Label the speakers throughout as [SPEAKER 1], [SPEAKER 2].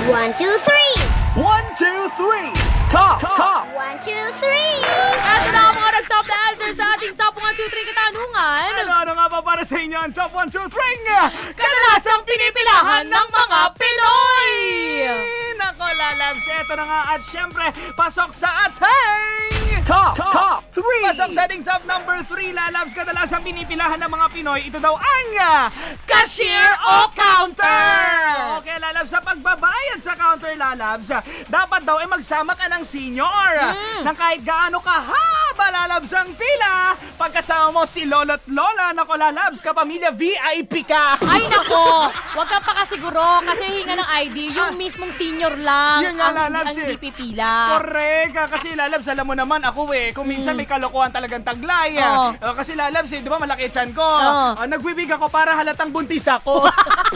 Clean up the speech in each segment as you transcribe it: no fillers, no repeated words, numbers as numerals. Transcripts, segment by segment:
[SPEAKER 1] 1, 2, 3.
[SPEAKER 2] 1, 2, 3. Top.
[SPEAKER 1] 1, 2, 3.
[SPEAKER 3] At na ang mga nag-top na answer sa ating top 1, 2, 3 katanungan.
[SPEAKER 2] Ano nga ba para sa inyo ang top 1, 2, 3?
[SPEAKER 3] Kadalasang pinipilahan ng mga Pinoy!
[SPEAKER 2] Nako, lalabs, eto na nga at syempre, pasok sa ating top 3. Pasok sa ating top number 3, lalabs, kadalasang pinipilahan ng mga Pinoy, ito daw ang
[SPEAKER 3] Cashier o counter!
[SPEAKER 2] Okay, lalabs, sa pagbabayad sa counter, lalabs, dapat daw magsama ka ng senior. Nang kahit gaano kahaba, lalabs, ang pila, pagkasama mo si lolo't lola, nako, lalabs, kapamilya VIP ka.
[SPEAKER 3] Ay nako, wag kang pakasiguro kasi hinga ng ID, yung mismong senior lang
[SPEAKER 2] Yun nga,
[SPEAKER 3] ang
[SPEAKER 2] lalabs,
[SPEAKER 3] hindi pipila.
[SPEAKER 2] Correct. Kasi lalabs, alam mo naman ako kung minsan may kalokohan talagang taglay. Kasi lalabs, di ba malaki tiyan ko. Nagbibig ako para halatang buntis ako.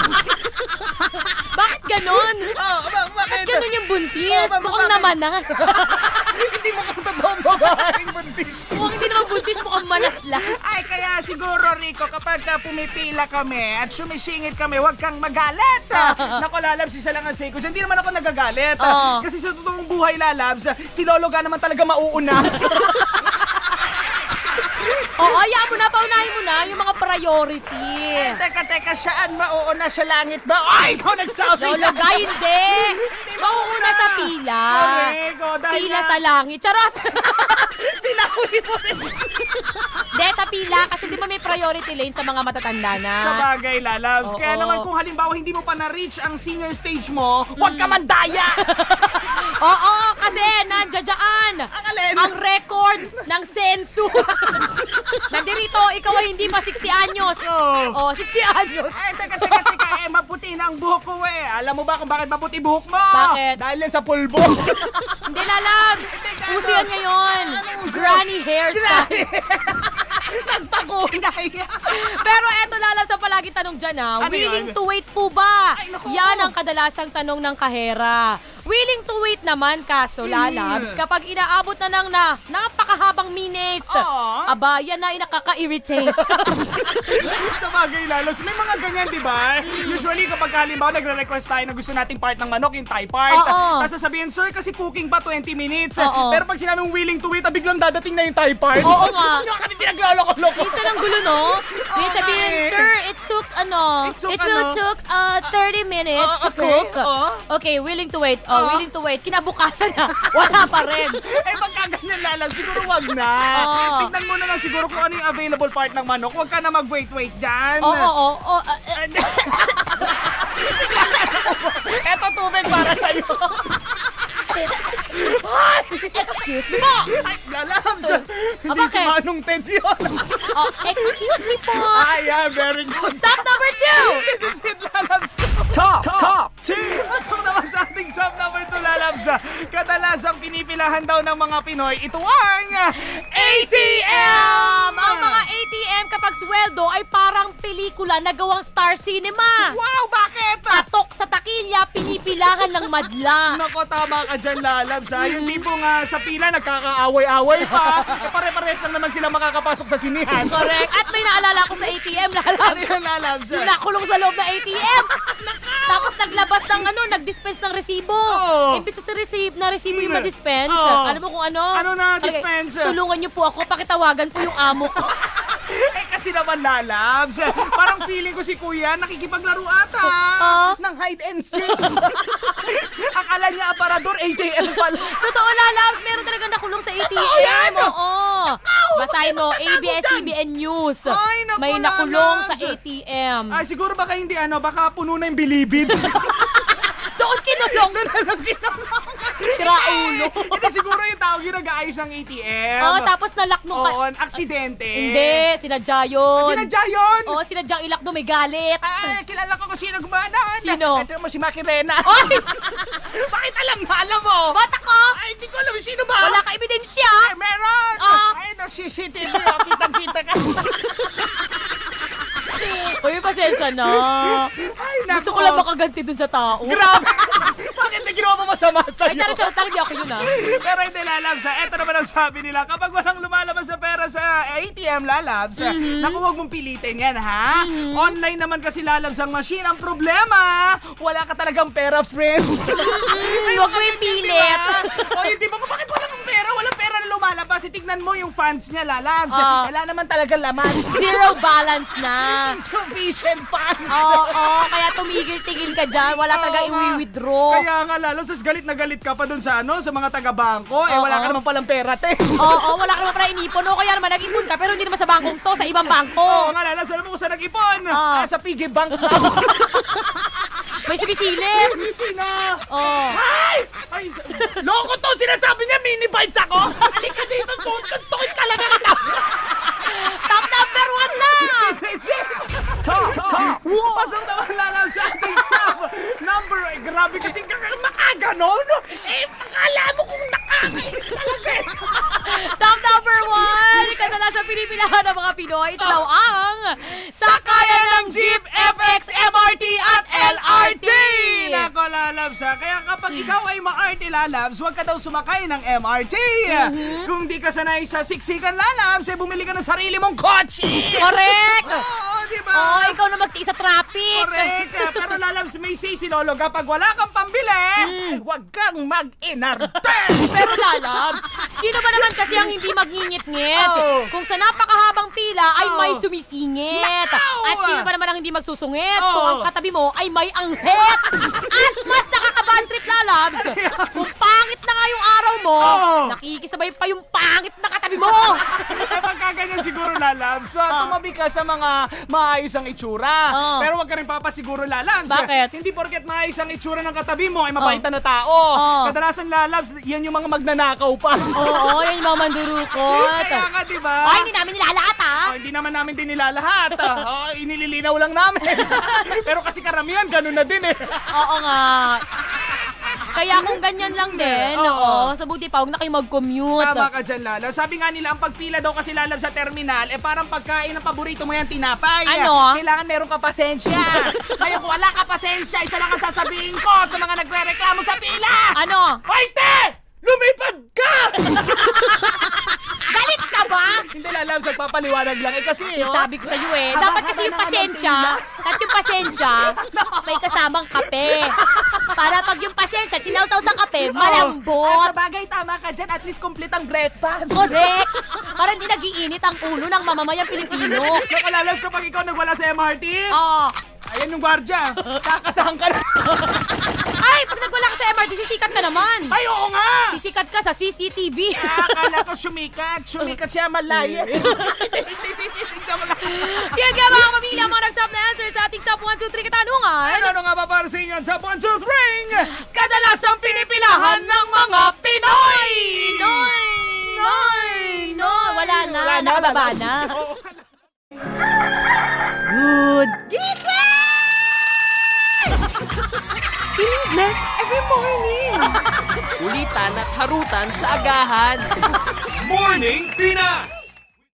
[SPEAKER 3] Bakit ganon?
[SPEAKER 2] Bakit?
[SPEAKER 3] Ganon yung buntis? Mukhang namanas.
[SPEAKER 2] Hindi mo kung totoong babaeng buntis.
[SPEAKER 3] Mukhang hindi naman buntis, mukhang manas lang.
[SPEAKER 2] Ay, kaya siguro, Rico, kapag pumipila kami at sumisingit kami, huwag kang magalit. Nako, lalabs, isa lang ang say ko. Hindi naman ako nagagalit. Kasi sa totoong buhay, lalabs, si Lolo ga naman talaga mauuna.
[SPEAKER 3] Oo, hayaan mo na, paunahin mo na yung mga priority.
[SPEAKER 2] Teka, saan mauuna sa langit ba? Ay, ikaw nagsabi
[SPEAKER 3] Lolo ga, hindi. Mauuna sa pila. Pila sa langit. Charot!
[SPEAKER 2] Dilawin mo rin.
[SPEAKER 3] Hindi, sa pila. Kasi di ba may priority lane sa mga matatanda na?
[SPEAKER 2] Sa bagay, lalabs. Kaya naman kung halimbawa hindi mo pa na-reach ang senior stage mo, huwag ka mandaya.
[SPEAKER 3] Oo, kasi nandiyan ang record ng census. Nandirito, ikaw ay hindi pa 60 anyos. Oh, 60 anyos.
[SPEAKER 2] Ay, teka. Maputi na ang buhok ko Alam mo ba kung bakit maputi buhok mo?
[SPEAKER 3] Bakit?
[SPEAKER 2] Dahil yan sa pulbo.
[SPEAKER 3] Hindi, lalabs. Uso yan ngayon. Granny hairstyle.
[SPEAKER 2] Nagpakulay.
[SPEAKER 3] Pero eto, lalabs, ang palagi tanong dyan
[SPEAKER 2] Ano
[SPEAKER 3] willing
[SPEAKER 2] yun?
[SPEAKER 3] to wait po ba?
[SPEAKER 2] Ay, naku.
[SPEAKER 3] Yan ang kadalasang tanong ng kahera. Willing to wait naman, kaso lalabs, kapag inaabot na ng napakahabang minute, aba, yan na nakaka-irritate.
[SPEAKER 2] Sa bagay, lalabs. May mga ganyan, di ba? Usually, kapag halimbawa nagre-request tayo na gusto nating part ng manok, yung Thai part. Tapos sasabihin, sir, kasi cooking pa 20 minutes. Pero pag sinabing willing to wait, biglang dadating na yung Thai part.
[SPEAKER 3] Oo nga.
[SPEAKER 2] Hindi kami pinagloloko-loko.
[SPEAKER 3] Minsan ang gulo, no? May sabihin, sir, it will took 30 minutes to cook. Okay, willing to wait. Willing to wait. Kinabukasan na. Wala pa rin.
[SPEAKER 2] Pagka ganyan, lalabs, siguro wag na. Tignan mo na lang siguro kung ano yung available part ng manok. Huwag ka na mag-wait dyan.
[SPEAKER 3] Oo.
[SPEAKER 2] Eto tubig para sa'yo.
[SPEAKER 3] Excuse me po.
[SPEAKER 2] Ay, lalabs. Hindi
[SPEAKER 3] bakit?
[SPEAKER 2] si Manong Ted yun.
[SPEAKER 3] Excuse me po.
[SPEAKER 2] Yeah, very good.
[SPEAKER 3] Top number 2.
[SPEAKER 2] This is it, lalabs ko. Top 2. Pasok naman sa ating top number 2, lalabs. Kadalasang pinipilahan daw ng mga Pinoy, ito ang
[SPEAKER 3] ATM! Ang mga ATM kapag sweldo ay parang pelikula na gawang Star Cinema.
[SPEAKER 2] Wow, bakit?
[SPEAKER 3] Patok sa takilya, pinipilahan ng madla.
[SPEAKER 2] Nako, tama ka dyan, lalabs. Yung tipong sa pila, nagkakaaway-away pa. Pare-pares lang naman sila makakapasok sa sinihan.
[SPEAKER 3] Correct. At may naalala ko sa ATM, lalabs.
[SPEAKER 2] Ano yan, lalabs?
[SPEAKER 3] Yung nakulong sa loob ng ATM. Tapos naglabas ng nag-dispense ng resibo. Imbis na resibo yung ma-dispense. Alam mo kung ano?
[SPEAKER 2] Ano na dispense?
[SPEAKER 3] Tulungan niyo po ako, pakitawagan po yung amo ko.
[SPEAKER 2] Kasi naman, lalabs. Parang feeling ko si kuya nakikipaglaro ata. Ng hide and seek. Akala niya aparador, ATM pala.
[SPEAKER 3] Totoo, lalabs. Meron talagang nakulong sa ATM. Oo. Basahin mo, ABS-CBN News.
[SPEAKER 2] Ay, naku,
[SPEAKER 3] may nakulong sa
[SPEAKER 2] lalabs.
[SPEAKER 3] ATM.
[SPEAKER 2] Siguro baka hindi baka puno na yung bilibid.
[SPEAKER 3] Doon kinulong. Kiraulo.
[SPEAKER 2] Hindi, siguro yung tao yung nag-aayos ng ATM.
[SPEAKER 3] Tapos nalock nung...
[SPEAKER 2] aksidente.
[SPEAKER 3] Hindi, sinadya yun.
[SPEAKER 2] Sinadya yun?
[SPEAKER 3] Oo, sinadyang ilak doon, may galit.
[SPEAKER 2] Kilala ko kung sino gumanon.
[SPEAKER 3] Sino?
[SPEAKER 2] Ito mo si Makirena.
[SPEAKER 3] Oy!
[SPEAKER 2] Bakit alam mo?
[SPEAKER 3] Bata ko!
[SPEAKER 2] Hindi ko alam sino ba?
[SPEAKER 3] Wala ka ebidensya.
[SPEAKER 2] Meron. Ay, CCTV. Kitang-kita ka.
[SPEAKER 3] Uy, pasensya na.
[SPEAKER 2] Ay,
[SPEAKER 3] Gusto ko lang makaganti dun sa tao.
[SPEAKER 2] Grabe. Bakit may ginawa mo masama sa'yo.
[SPEAKER 3] Ay, charot-charot lang, di ako yun
[SPEAKER 2] Pero hindi, lalabs, eto naman ang sabi nila, kapag walang lumalabas na pera sa ATM, lalabs, naku, huwag mong pilitin yan, ha? Online naman kasi lalabs ang machine. Ang problema, wala ka talagang pera, friend.
[SPEAKER 3] Huwag mo ipilit.
[SPEAKER 2] O, hindi ba? Bakit walang pera? Walang pera na lumalabas. Tignan mo yung funds niya, lalabs. Wala naman talagang laman.
[SPEAKER 3] Zero balance na.
[SPEAKER 2] Insufficient funds.
[SPEAKER 3] Oo, kaya tumigil-tigil ka dyan. Wala talaga i-withdraw.
[SPEAKER 2] Kaya nga, lalabs, galit na galit ka pa dun sa sa mga taga-bangko. Wala ka naman palang pera, te.
[SPEAKER 3] Oo, wala ka naman pala inipon. O kaya naman nag-ipon ka, pero hindi naman sa bangkong to, sa ibang bangko.
[SPEAKER 2] Oo nga, lalabs, alam mo kung saan nag-ipon? Sa piggy bank na.
[SPEAKER 3] May sumisilip.
[SPEAKER 2] Sino?
[SPEAKER 3] Oh.
[SPEAKER 2] Ay, loko to! Sinasabi niya, mini bites ako! Halika dito, tuntukin ka lang kita!
[SPEAKER 3] Top number 1 na!
[SPEAKER 2] Top! Pasok naman lang sa ating top number. Grabe kasi makaganon. Akala mo kung nakakainis talaga.
[SPEAKER 3] Top number 1! Kadalasan pinipilahan ng mga Pinoy. Ito daw ang sakayan ng jeep, FX, MRT at LRT!
[SPEAKER 2] Nako, lalabs ha. Kaya kapag ikaw ay ma-RT, lalabs, huwag ka daw sumakay ng MRT. Kung di ka sanay sa siksikan, lalabs, bumili ka ng sarili mong kotse.
[SPEAKER 3] Correct!
[SPEAKER 2] Oo, diba?
[SPEAKER 3] Oo, ikaw na magtiis sa traffic.
[SPEAKER 2] Correct. Pero lalabs, may sisi, Lolo, kapag wala kang pambili, huwag kang mag-inarte.
[SPEAKER 3] Pero lalabs, sino ba naman kasi ang hindi magngingit-ngit? Kung sa napakahabang pila ay may sumisingit. At sino ba naman ang hindi magsusungit? Kung ang katabi mo ay may anghit. At mas nakakabahan trip, lalabs, kung pangit na nga yung araw mo, nakikisabay pa yung pangit na katabi mo.
[SPEAKER 2] Pagka ganyan siguro, lalabs, tumabi ka sa mga maayos ang itsura. Pero wag ka rin papasiguro, lalabs.
[SPEAKER 3] Bakit?
[SPEAKER 2] Hindi porket maayos ang itsura ng katabi mo ay mabait na tao. Kadalasan, lalabs, yan yung mga magnanakaw pa.
[SPEAKER 3] Oo, yan yung mga mandurukot.
[SPEAKER 2] Kaya nga, diba?
[SPEAKER 3] Ay, hindi namin nilalahat,
[SPEAKER 2] hindi naman namin din nilalahat. Inililinaw lang namin. Pero kasi karamihan, ganun na din
[SPEAKER 3] Oo nga. Kaya kung ganyan lang din, sa buti pa, huwag na kayo mag-commute.
[SPEAKER 2] Tama ka dyan, Lala. Sabi nga nila, ang pagpila daw kasi, lalab, sa terminal, parang pagkain ng paborito mo yan, tinapay.
[SPEAKER 3] Ano?
[SPEAKER 2] Kailangan meron ka pasensya. Ngayon, kung wala ka pasensya, isa lang ang sasabihin ko sa mga nagre-reklamo sa pila.
[SPEAKER 3] Ano?
[SPEAKER 2] Hoy, te! Lumipad ka!
[SPEAKER 3] Galit ka ba?
[SPEAKER 2] Hindi, lalab, nagpapaliwanag lang. Kasi,
[SPEAKER 3] Sabi ko sa'yo dapat kasi yung pasensya, may kasamang kape. Para pag yung pasensya, sinausaw sa kape, malambot.
[SPEAKER 2] At sa bagay, tama ka dyan. At least complete ang breakfast.
[SPEAKER 3] Correct. Para hindi nagiinit ang ulo ng mamamayang Pilipino.
[SPEAKER 2] Nakalalas kapag ikaw nagwala sa MRT? Ayan yung gwardya. Kakasahan ka na.
[SPEAKER 3] Ay, pag nagwala ka sa MRT, sisikat ka naman.
[SPEAKER 2] Ay, oo nga.
[SPEAKER 3] Sisikat ka sa CCTV.
[SPEAKER 2] Akala ko sumikat. Sumikat siya malaya.
[SPEAKER 3] Yan nga mga pamilya, mga nag-top na answer sa ating top 1, 2, 3 katanungan.
[SPEAKER 2] Ano nga ba para sa inyo? Top 1, 2, 3!
[SPEAKER 3] Kadalasang pinipilahan ng mga Pinoy! Noy! Wala na, nakababa na.
[SPEAKER 4] Good. Feeling blessed every morning.
[SPEAKER 5] Kulitan at harutan sa agahan.
[SPEAKER 2] Morning Pina!